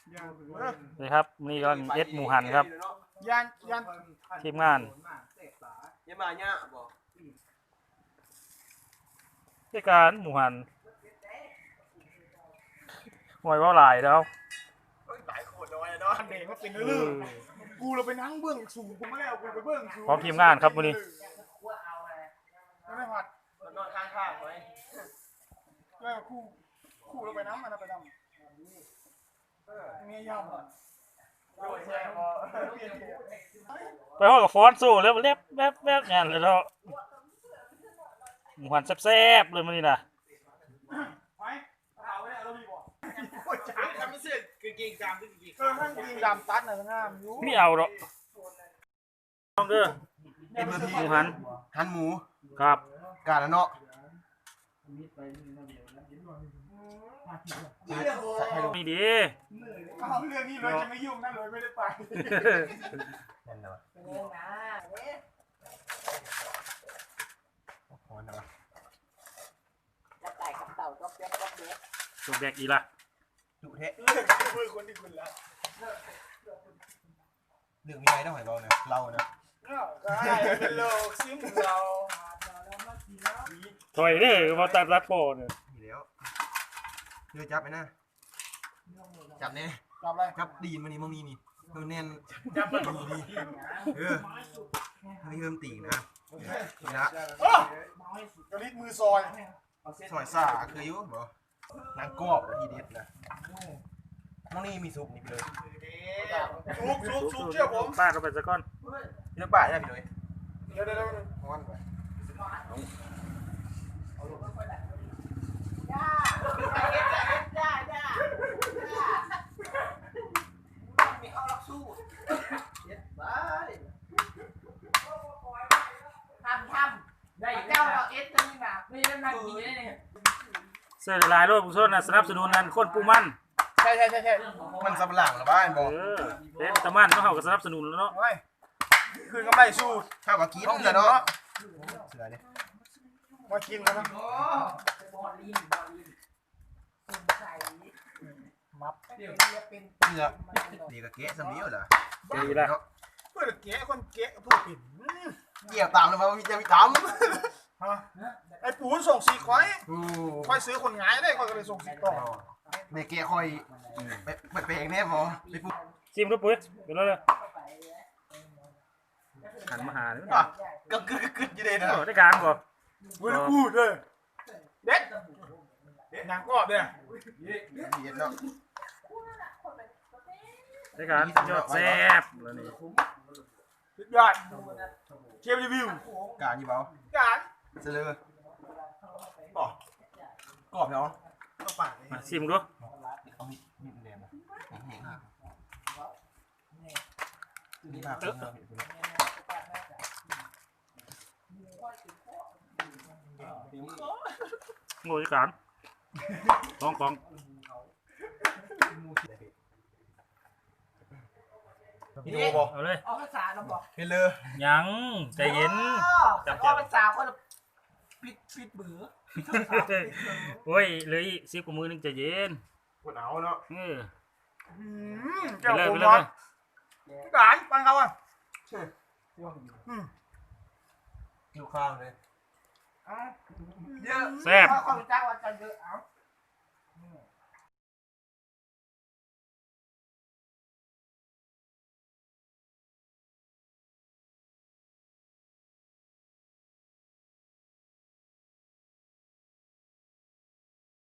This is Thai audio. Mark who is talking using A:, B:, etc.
A: นี่ครับนี่ก็เอ็ดหมูหันครับ
B: ยัน
A: ทีมงาน
C: ยังมาเนี่ยบอก
A: ที่การหมูหันหอยว่าหลายแล้ว
B: หลายคนน้อยเนาะเด็กก็เป็นเรื่องกูเราไปนั่งเบื้องสูงกูไม่ได้เอากูไปเบื้องสูง
A: พร้อมทีมงานครับวันนี้
B: ไม่ผัด
C: นอนข้างๆไว้
B: ก็คู่เราไปน้ำมันไปน้ำเมียยำ
A: ไปห้องกับฟอนสู้แล้วเล็บแวบงานเลยเนาะหมูหันแซ่บๆเลยมันนี่นะ
C: ทำไม่เสร็จคือกินกามที่กิน
B: ทั้งกินดำตัดหน่อยงามอยู่
A: ไม่เอาหรอกต้องเด้อหมูหัน
C: หันหมู
A: ครับ
C: กาละเนาะ
A: นี่ดี
B: เอาเรื่องนี้เลยจะไม่ยุ่งนั่นเลยไม่ได้ไป
C: นั่นเนาะพอเนาะ
D: จะไก่กับเต่าก็เปี๊ยกก็เปี๊ยก
A: ตัวแบกอีละ
C: ดุเทะ
B: เรื่องมือคนที่คุณละ
C: เรื่องมีอะไรต้องหอยเบาเนี่ยเราเนาะ
B: ได้เป็นโลกซิมเรา
A: ถอยเด้อมาตัดรัดโปเนี่ย
C: มีแล้วเดี๋ยวจับไปนะจับเนี่ย
B: จับอะไร
C: จับดีนมันนี่มึงนี่มันแน่นจับมันนี่ไม่เพิ่มตีนะนี่นะ
B: กระลิกมือซอย
C: ซอยซ่าคืออยู่บ่นางกอบทีเด็ดนะน้องนี่มีซุปนี่ไปเลย
B: ซุกเชื่อผม
A: ป้าเข้าไปซะก่อน
C: เนื้อป่าได้ไปเลย
B: เดี๋ยว
C: ฮ้อนไป
D: มีเขาลักสู้ทำได้เจ้าเราเอสตัวนี้แบบไม่ได้นั่งกินได้เนี่ย
A: เสื้อลายโลดผู้ชนนะสนับสนุนนั่นคนปูมัน
B: ใช่
C: มันสับหลังหรือบ้านบอก
A: เป็นตะมันก็เขาก็สนับสนุนแล้วเนาะ
B: ไม่คืนก็ไม่สู้
C: ข้าวกับกีต้องเสือเนาะเสือเนี่ย
B: มากินแล้วนะ
D: บอลลีนใส่มับเดี๋ยวเป็น
C: เสือดีกับเก๊ะสมีอยู่เหรอ
A: ดีละ
B: เพื่อนเก๋คนเก๋ผู้ปิ่น
C: เกี่ยวตามเลยมั้ยจะมีตาม
B: ไอ้ปูนส่งสีควายควายซื้อคนงายได้ควายก็เลยส่งสีต่อ
C: เด็กเก๊ะคอยไปเองแน่พอไปปุ๊บ
A: ซิมก็ปุ๋ยเป็นแล้วเลยหันมาหาเนี่ย
C: ก็กึดอยู่เลยนะ
A: ได้การก่อน
B: เว้ยพูดเลยเด็ดนางกอบเนี่ย
C: เย็นเนาะ
A: ได้การยอดแซ่บแล้วนี่
B: สุดยอดเชฟรีวิว
C: การยี่เบา
B: การ
C: เสือกรอบเนาะ
B: ต้องปาก
A: มาซิมดู
C: เอามีแดงนะแห้งนี่ภาพเนาะ
A: งูจัดการของ
C: ดูบอก
A: เอาเลย
D: เอาภาษาเราบอก
C: เฮเลอร์
A: ยังใจเย็น
D: เอาภาษาคนปิดเบื่อ
A: โอ้ยเลย10กว่ามือนึงใจเย็น
C: ปวดหนาวเนาะ
B: เจ้าผมร้อนการปังเขาอ่ะ
C: หิวข้าวเลย
D: เยอะ
A: แซ่บ
D: เขาจ้างวันจันทร์เยอะ